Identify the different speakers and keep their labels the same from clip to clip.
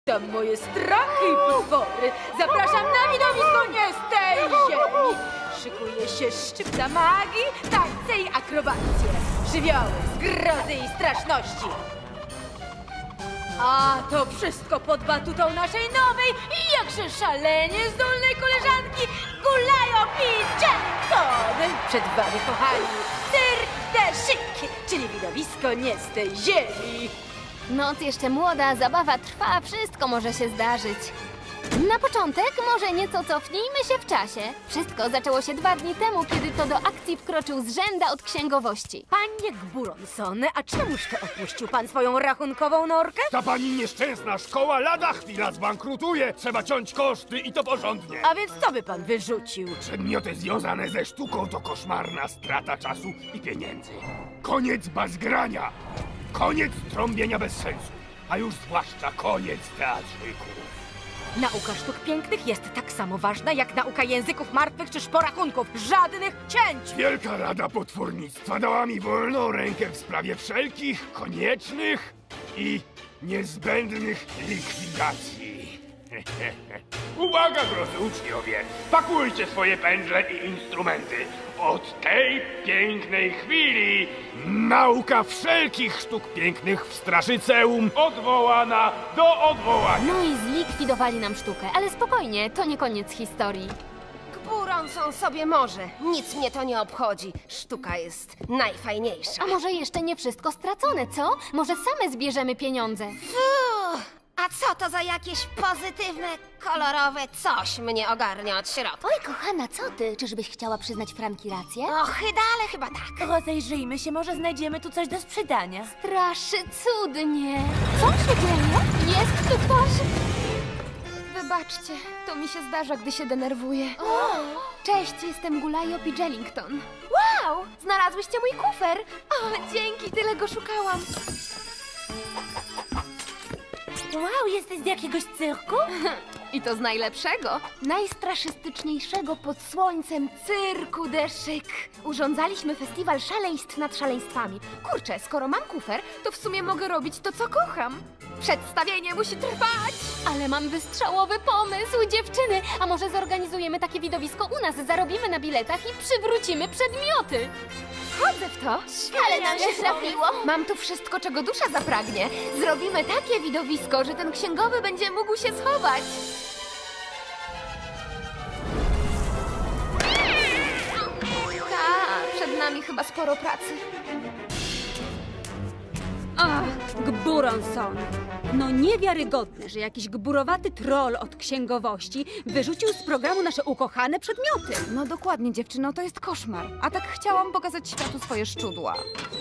Speaker 1: Tam moje strachy i potwory. Zapraszam na widowisko nie z tej ziemi. Szykuje się szczypta magii, tańce i akrobacje. Żywioły, zgrozy i straszności. A to wszystko pod batutą naszej nowej i jakże szalenie zdolnej koleżanki Gulajopi Jackson. Przed wami, kochani, Cirque de Chic, czyli widowisko nie z tej ziemi.
Speaker 2: Noc jeszcze młoda, zabawa trwa, wszystko może się zdarzyć. Na początek może nieco cofnijmy się w czasie. Wszystko zaczęło się 2 dni temu, kiedy to do akcji wkroczył zrzęda od księgowości.
Speaker 1: Panie Gburonson, a czemuż to opuścił pan swoją rachunkową norkę?
Speaker 3: Ta pani nieszczęsna szkoła lada chwila zbankrutuje. Trzeba ciąć koszty i to porządnie.
Speaker 1: A więc co by pan wyrzucił?
Speaker 3: Przedmioty związane ze sztuką to koszmarna strata czasu i pieniędzy. Koniec bazgrania. Koniec trąbienia bez sensu. A już zwłaszcza koniec teatrzyków.
Speaker 1: Nauka sztuk pięknych jest tak samo ważna jak nauka języków martwych czy szporachunków. Żadnych cięć!
Speaker 3: Wielka Rada Potwornictwa dała mi wolną rękę w sprawie wszelkich koniecznych i niezbędnych likwidacji. Uwaga, drodzy uczniowie! Pakujcie swoje pędzle i instrumenty. Od tej pięknej chwili nauka wszelkich sztuk pięknych w Straszyceum odwołana do odwołania.
Speaker 2: No i zlikwidowali nam sztukę, ale spokojnie, to nie koniec historii.
Speaker 4: Gburonson sobie może. Nic mnie to nie obchodzi. Sztuka jest najfajniejsza.
Speaker 2: A może jeszcze nie wszystko stracone, co? Może same zbierzemy pieniądze?
Speaker 4: A co to za jakieś pozytywne, kolorowe coś mnie ogarnia od środka?
Speaker 2: Oj, kochana, co ty? Czyżbyś chciała przyznać Franki rację?
Speaker 4: Ochyda, ale chyba tak.
Speaker 1: Rozejrzyjmy się, może znajdziemy tu coś do sprzedania.
Speaker 2: Straszy cudnie. Co się dzieje? Jest tu ktoś?
Speaker 5: Wybaczcie, to mi się zdarza, gdy się denerwuję. Cześć, jestem Gulajopi Jellington. Wow, znalazłyście mój kufer. O, dzięki, tyle go szukałam.
Speaker 1: Wow, jesteś z jakiegoś cyrku?
Speaker 5: I to z najlepszego, najstraszystyczniejszego pod słońcem Cyrku de Chic. Urządzaliśmy festiwal szaleństw nad szaleństwami. Kurczę, skoro mam kufer, to w sumie mogę robić to, co kocham. Przedstawienie musi trwać!
Speaker 2: Ale mam wystrzałowy pomysł, dziewczyny! A może zorganizujemy takie widowisko u nas, zarobimy na biletach i przywrócimy przedmioty?
Speaker 5: Wchodzę w to.
Speaker 2: Ale nam się trafiło!
Speaker 5: Mam tu wszystko, czego dusza zapragnie. Zrobimy takie widowisko, że ten księgowy będzie mógł się schować. Tak, przed nami chyba sporo pracy.
Speaker 6: Ach, Gburonson. No niewiarygodne, że jakiś gburowaty troll od księgowości wyrzucił z programu nasze ukochane przedmioty.
Speaker 7: No dokładnie, dziewczyno, to jest koszmar. A tak chciałam pokazać światu swoje szczudła.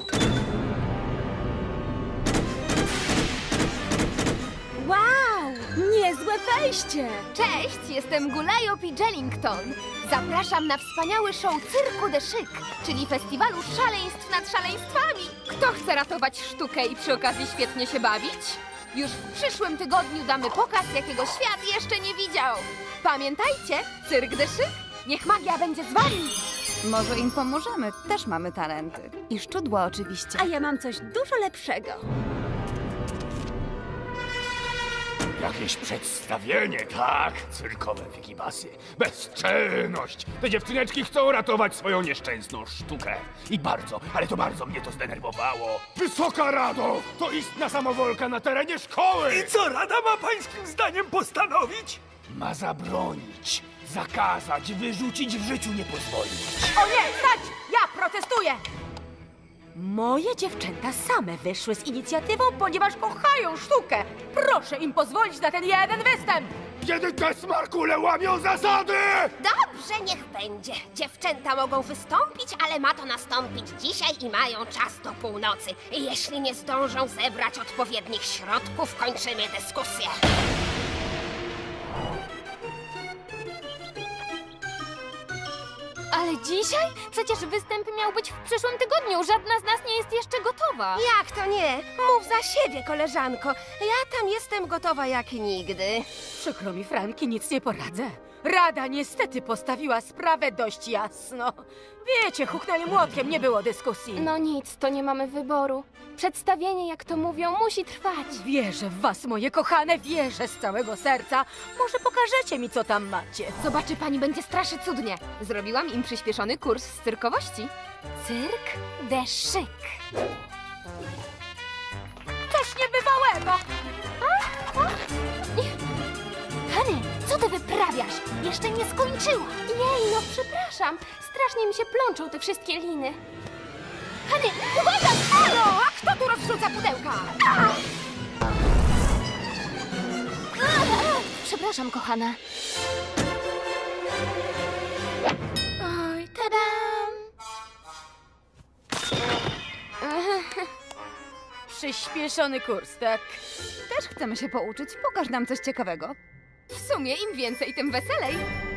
Speaker 6: Wow, niezłe wejście!
Speaker 5: Cześć, jestem Gulajopi Jellington. Zapraszam na wspaniały show Cyrku de Chic, czyli festiwalu szaleństw nad szaleństwami. Kto chce ratować sztukę i przy okazji świetnie się bawić? Już w przyszłym tygodniu damy pokaz, jakiego świat jeszcze nie widział. Pamiętajcie, Cyrk de Chic, niech magia będzie z wami.
Speaker 7: Może im pomożemy, też mamy talenty. I szczudła oczywiście.
Speaker 6: A ja mam coś dużo lepszego.
Speaker 3: Jakieś przedstawienie, tak? Cyrkowe wikibasy. Bezczelność! Te dziewczyneczki chcą ratować swoją nieszczęsną sztukę. I bardzo, ale to bardzo mnie to zdenerwowało. Wysoka Rado! To istna samowolka na terenie szkoły!
Speaker 8: I co Rada ma pańskim zdaniem postanowić?
Speaker 3: Ma zabronić, zakazać, wyrzucić, w życiu nie pozwolić.
Speaker 1: O nie, stać! Ja protestuję! Moje dziewczęta same wyszły z inicjatywą, ponieważ kochają sztukę. Proszę im pozwolić na ten jeden występ!
Speaker 3: Kiedy te smarkule łamią zasady!
Speaker 4: Dobrze, niech będzie. Dziewczęta mogą wystąpić, ale ma to nastąpić dzisiaj i mają czas do północy. I jeśli nie zdążą zebrać odpowiednich środków, kończymy dyskusję.
Speaker 2: Ale dzisiaj? Przecież występ miał być w przyszłym tygodniu. Żadna z nas nie jest jeszcze gotowa.
Speaker 4: Jak to nie? Mów za siebie, koleżanko. Ja tam jestem gotowa jak nigdy.
Speaker 1: Przykro mi, Franki, nic nie poradzę. Rada niestety postawiła sprawę dość jasno. Wiecie, huknęli młotkiem, nie było dyskusji.
Speaker 2: No nic, to nie mamy wyboru. Przedstawienie, jak to mówią, musi trwać.
Speaker 1: Wierzę w was, moje kochane, wierzę z całego serca. Może pokażecie mi, co tam macie.
Speaker 2: Zobaczy pani, będzie strasznie cudnie. Zrobiłam im przyspieszony kurs z cyrkowości. Cyrk de Chic.
Speaker 1: Coś niebywałego!
Speaker 2: Hany, co ty wyprawiasz? Jeszcze nie skończyła. Jej, no przepraszam. Strasznie mi się plączą te wszystkie liny. Hany, uwaga! Halo! A kto tu rozrzuca pudełka? Przepraszam, kochana. Oj, tadam!
Speaker 1: Przyspieszony kurs, tak?
Speaker 7: Też chcemy się pouczyć. Pokaż nam coś ciekawego.
Speaker 2: W sumie im więcej, tym weselej.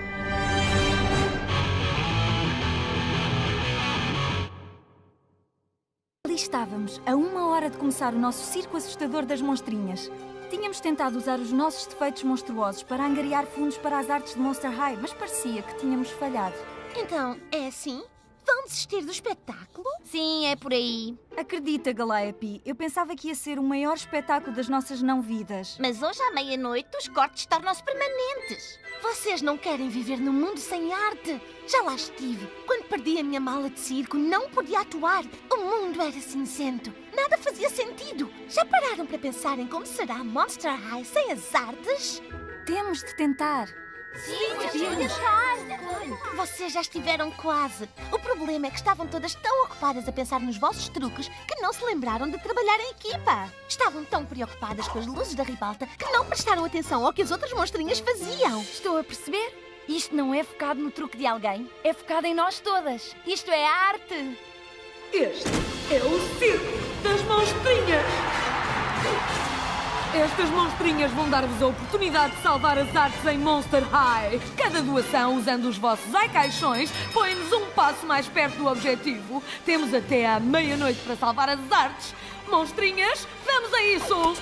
Speaker 9: Ali estávamos, a 1 hora de começar o nosso circo assustador das monstrinhas. Tínhamos tentado usar os nossos defeitos monstruosos para angariar fundos para as artes de Monster High, mas parecia que tínhamos falhado.
Speaker 4: Então, é assim? Vão desistir do espetáculo?
Speaker 9: Sim, é por aí. Acredita, Galeapi, eu pensava que ia ser o maior espetáculo das nossas não-vidas.
Speaker 10: Mas hoje à meia-noite os cortes tornam-se permanentes.
Speaker 4: Vocês não querem viver num mundo sem arte? Já lá estive. Quando perdi a minha mala de circo, não podia atuar. O mundo era cinzento. Nada fazia sentido. Já pararam para pensar em como será Monster High sem as artes?
Speaker 9: Temos de tentar.
Speaker 10: Vocês já estiveram quase. O problema é que estavam todas tão ocupadas a pensar nos vossos truques que não se lembraram de trabalhar em equipa. Estavam tão preocupadas com as luzes da ribalta que não prestaram atenção ao que as outras monstrinhas faziam.
Speaker 9: Estou a perceber? Isto não é focado no truque de alguém, é focado em nós todas. Isto é arte.
Speaker 6: Este é o circo das monstrinhas. Estas monstrinhas vão dar-vos a oportunidade de salvar as artes em Monster High. Cada doação, usando os vossos caixões, põe-nos um passo mais perto do objetivo. Temos até à meia-noite para salvar as artes. Monstrinhas, vamos a isso!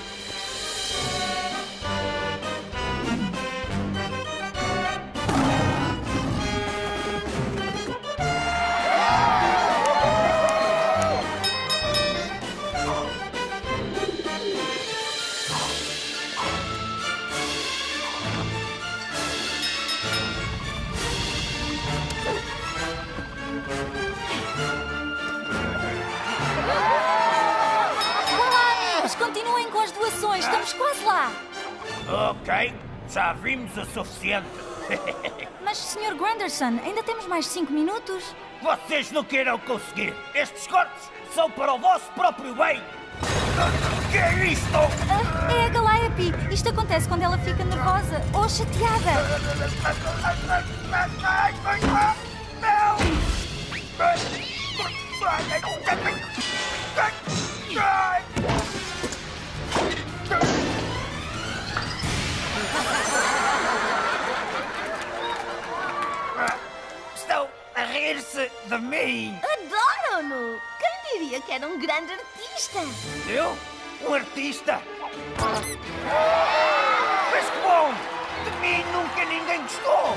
Speaker 9: Mas continuem com as doações, estamos quase lá.
Speaker 8: Ok, já vimos o suficiente.
Speaker 9: Mas, Sr. Granderson, ainda temos mais 5 minutos.
Speaker 8: Vocês não queiram conseguir. Estes cortes são para o vosso próprio bem. Que é isto?
Speaker 9: É a Galeapi. Isto acontece quando ela fica nervosa ou chateada.
Speaker 8: Estão a rir-se de mim.
Speaker 10: Adoram-no! Quem diria que era um grande artista?
Speaker 8: Eu? Um artista? Mas que bom! De mim nunca ninguém gostou!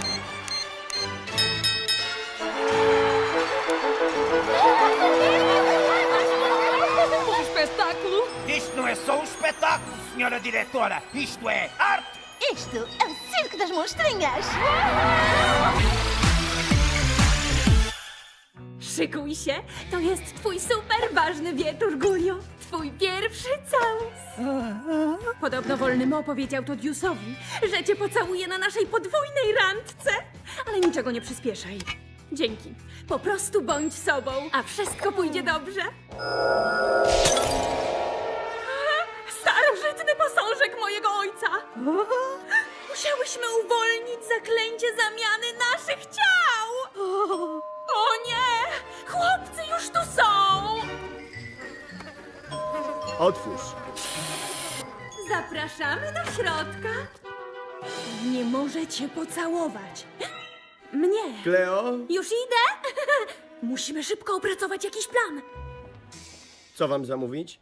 Speaker 6: Um espetáculo?
Speaker 8: Isto não é só um espetáculo, senhora diretora. Isto é arte!
Speaker 10: Isto é o circo das monstrinhas!
Speaker 6: Szykuj się, to jest twój super ważny wieczór, Gulio. Twój pierwszy całus. Podobno wolny Mo powiedział to Diusowi, że cię pocałuje na naszej podwójnej randce. Ale niczego nie przyspieszaj. Dzięki. Po prostu bądź sobą, a wszystko pójdzie dobrze. Starożytny posążek mojego ojca. Musiałyśmy uwolnić zaklęcie zamiany naszych ciał. O nie! Chłopcy już tu są!
Speaker 3: Otwórz.
Speaker 6: Zapraszamy do środka. Nie możecie pocałować. Mnie.
Speaker 3: Kleo?
Speaker 6: Już idę? Musimy szybko opracować jakiś plan.
Speaker 11: Co wam zamówić?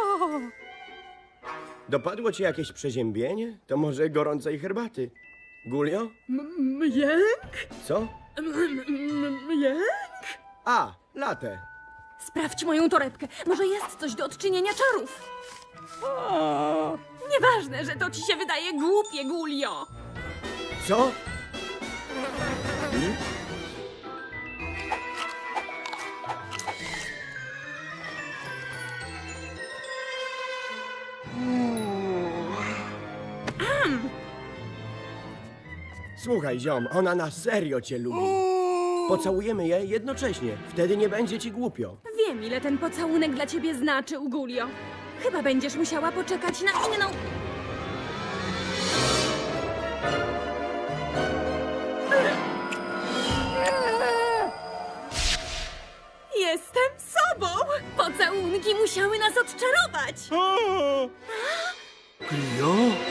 Speaker 11: Dopadło ci jakieś przeziębienie? To może gorącej herbaty. Gulio?
Speaker 6: Jęk?
Speaker 11: Co?
Speaker 6: Jęk?
Speaker 11: A, latę.
Speaker 6: Sprawdź moją torebkę. Może jest coś do odczynienia czarów. Nieważne, że to ci się wydaje głupie, Gulio.
Speaker 11: Co? Słuchaj, ziom, ona na serio cię lubi. Pocałujemy je jednocześnie. Wtedy nie będzie ci głupio.
Speaker 6: Wiem, ile ten pocałunek dla ciebie znaczył, Gulio. Chyba będziesz musiała poczekać na inną... Jestem sobą! Pocałunki musiały nas odczarować!
Speaker 11: Gulio?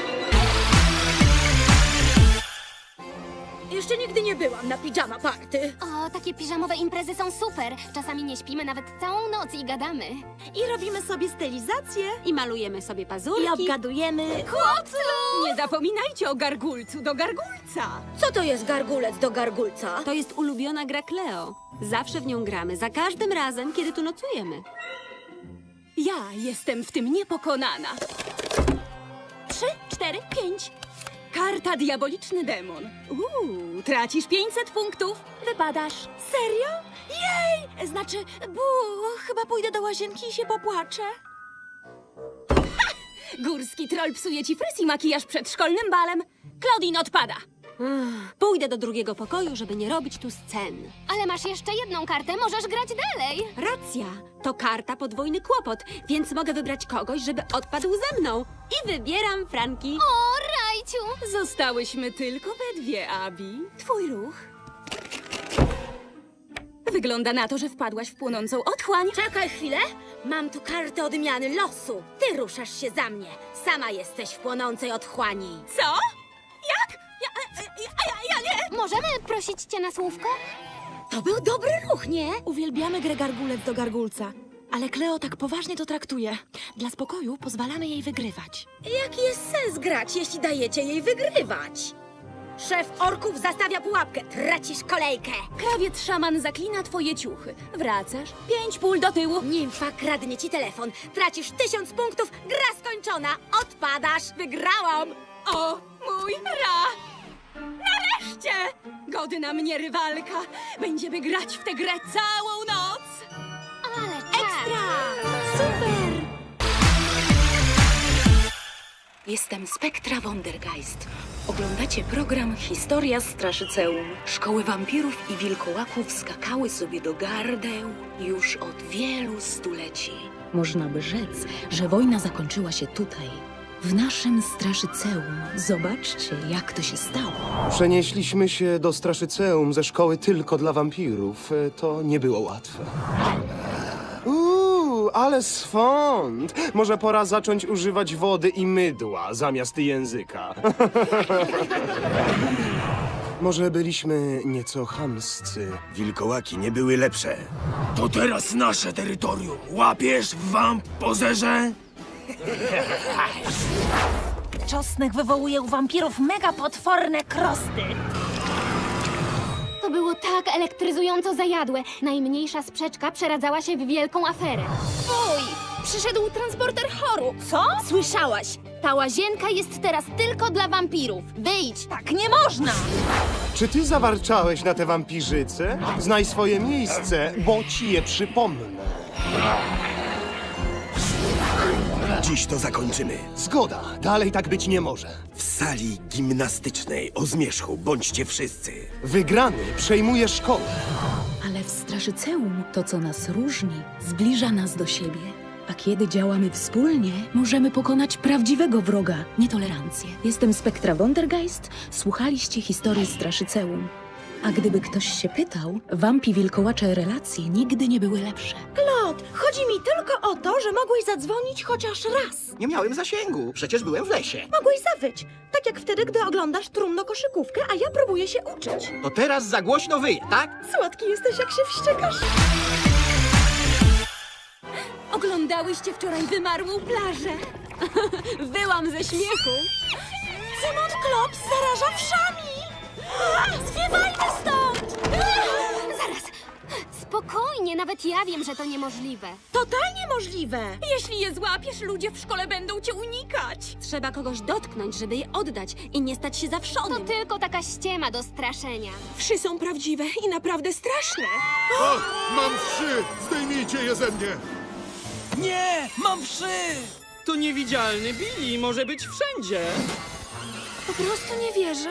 Speaker 1: Jeszcze nigdy nie byłam na pijama party.
Speaker 2: O, takie piżamowe imprezy są super. Czasami nie śpimy nawet całą noc i gadamy.
Speaker 1: I robimy sobie stylizację.
Speaker 6: I malujemy sobie pazurki.
Speaker 1: I obgadujemy.
Speaker 6: Nie zapominajcie o gargulcu do gargulca.
Speaker 1: Co to jest gargulec do gargulca?
Speaker 12: To jest ulubiona gra Cleo. Zawsze w nią gramy, za każdym razem, kiedy tu nocujemy.
Speaker 6: Ja jestem w tym niepokonana. 3, 4, 5. Karta Diaboliczny Demon. Tracisz 500 punktów. Wypadasz. Serio? Jej! Znaczy, chyba pójdę do łazienki i się popłaczę. Ha! Górski troll psuje ci fryz i makijaż przed szkolnym balem. Claudine odpada.
Speaker 12: Pójdę do drugiego pokoju, żeby nie robić tu scen.
Speaker 2: Ale masz jeszcze jedną kartę, możesz grać dalej.
Speaker 12: Racja, to karta podwójny kłopot, więc mogę wybrać kogoś, żeby odpadł ze mną. I wybieram Franki.
Speaker 2: O, Rajciu!
Speaker 6: Zostałyśmy tylko we dwie, Abi. Twój ruch. Wygląda na to, że wpadłaś w płonącą otchłań.
Speaker 1: Czekaj chwilę. Mam tu kartę odmiany losu. Ty ruszasz się za mnie. Sama jesteś w płonącej otchłani.
Speaker 6: Co? Jak? Ja nie!
Speaker 2: Możemy prosić cię na słówko?
Speaker 1: To był dobry ruch, nie?
Speaker 13: Uwielbiamy grę gargulec do gargulca, ale Cleo tak poważnie to traktuje. Dla spokoju pozwalamy jej wygrywać.
Speaker 1: Jaki jest sens grać, jeśli dajecie jej wygrywać? Szef orków zastawia pułapkę. Tracisz kolejkę.
Speaker 6: Krawiec szaman zaklina twoje ciuchy. Wracasz, 5 pól do tyłu.
Speaker 1: Nimfa kradnie ci telefon. Tracisz 1000 punktów. Gra skończona. Odpadasz. Wygrałam.
Speaker 6: O, mój ra! Nareszcie! Godna mnie rywalka. Będziemy grać w tę grę całą noc.
Speaker 2: Ale ekstra!
Speaker 6: Super!
Speaker 13: Jestem Spektra Wondergeist. Oglądacie program Historia Straszyceum. Szkoły wampirów i wilkołaków skakały sobie do gardeł już od wielu stuleci. Można by rzec, że wojna zakończyła się tutaj, w naszym Straszyceum. Zobaczcie, jak to się stało.
Speaker 14: Przenieśliśmy się do Straszyceum ze szkoły tylko dla wampirów. To nie było łatwe. Ale swąd! Może pora zacząć używać wody i mydła zamiast języka. Może byliśmy nieco chamscy.
Speaker 3: Wilkołaki nie były lepsze. To teraz nasze terytorium. Łapiesz, wamp pozerze?
Speaker 10: Czosnek wywołuje u wampirów mega potworne krosty.
Speaker 2: To było tak elektryzująco zajadłe. Najmniejsza sprzeczka przeradzała się w wielką aferę.
Speaker 5: Oj! Przyszedł transporter choru.
Speaker 10: Co? Słyszałaś?
Speaker 2: Ta łazienka jest teraz tylko dla wampirów. Wyjdź!
Speaker 10: Tak nie można!
Speaker 14: Czy ty zawarczałeś na te wampirzyce? Znaj swoje miejsce, bo ci je przypomnę.
Speaker 3: Dziś to zakończymy.
Speaker 14: Zgoda, dalej tak być nie może.
Speaker 3: W sali gimnastycznej o zmierzchu bądźcie wszyscy.
Speaker 14: Wygrany przejmuje szkołę.
Speaker 13: Ale w Straszyceum to, co nas różni, zbliża nas do siebie. A kiedy działamy wspólnie, możemy pokonać prawdziwego wroga, nietolerancję. Jestem Spektra Wondergeist, słuchaliście historii Straszyceum. A gdyby ktoś się pytał, wampi wilkołacze relacje nigdy nie były lepsze.
Speaker 15: Klot, chodzi mi tylko o to, że mogłeś zadzwonić chociaż raz.
Speaker 11: Nie miałem zasięgu, przecież byłem w lesie.
Speaker 15: Mogłeś zawyć, tak jak wtedy, gdy oglądasz trumno-koszykówkę, a ja próbuję się uczyć.
Speaker 11: To teraz za głośno wyje, tak?
Speaker 15: Słodki jesteś, jak się wściekasz.
Speaker 6: Oglądałyście wczoraj wymarłą plażę? Wyłam ze śmiechu.
Speaker 15: Cymon Klops zaraża wszami! Zwiewajmy stąd!
Speaker 2: Zaraz! Spokojnie, nawet ja wiem, że to niemożliwe.
Speaker 15: Totalnie możliwe!
Speaker 6: Jeśli je złapiesz, ludzie w szkole będą cię unikać.
Speaker 12: Trzeba kogoś dotknąć, żeby je oddać i nie stać się
Speaker 2: To
Speaker 12: zawszonym.
Speaker 2: tylko taka ściema do straszenia.
Speaker 6: Wszy są prawdziwe i naprawdę straszne.
Speaker 16: Mam wszy! Zdejmijcie je ze mnie!
Speaker 8: Nie, mam wszy!
Speaker 17: To niewidzialny Billy może być wszędzie.
Speaker 6: Po prostu nie wierzę.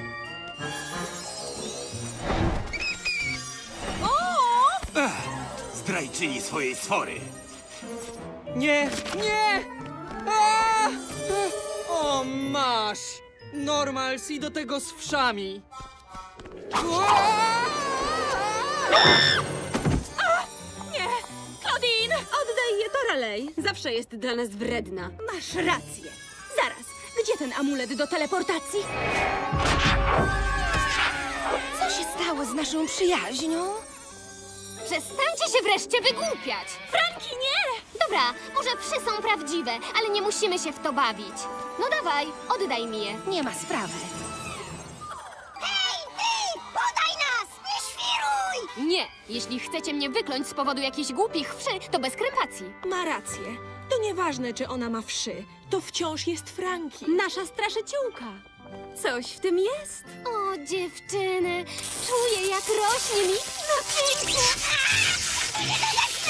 Speaker 8: Zdrajczyni swojej sfory.
Speaker 17: Nie, nie! A! O, masz! Normals i do tego z wszami.
Speaker 6: Nie! Claudine!
Speaker 12: Oddaj je Toralej. Zawsze jest dla nas wredna.
Speaker 6: Masz rację. Zaraz, gdzie ten amulet do teleportacji?
Speaker 15: Co się stało z naszą przyjaźnią?
Speaker 2: Przestańcie się wreszcie wygłupiać!
Speaker 6: Franki, nie!
Speaker 2: Dobra, może wszy są prawdziwe, ale nie musimy się w to bawić. No dawaj, oddaj mi je.
Speaker 15: Nie ma sprawy.
Speaker 10: Podaj nas! Nie świruj!
Speaker 2: Nie, jeśli chcecie mnie wykląć z powodu jakichś głupich wszy, to bez krępacji.
Speaker 6: Ma rację. To nieważne, czy ona ma wszy. To wciąż jest Franki.
Speaker 12: Nasza straszyciółka. Coś w tym jest.
Speaker 2: O, dziewczyny, czuję jak rośnie mi napięcie.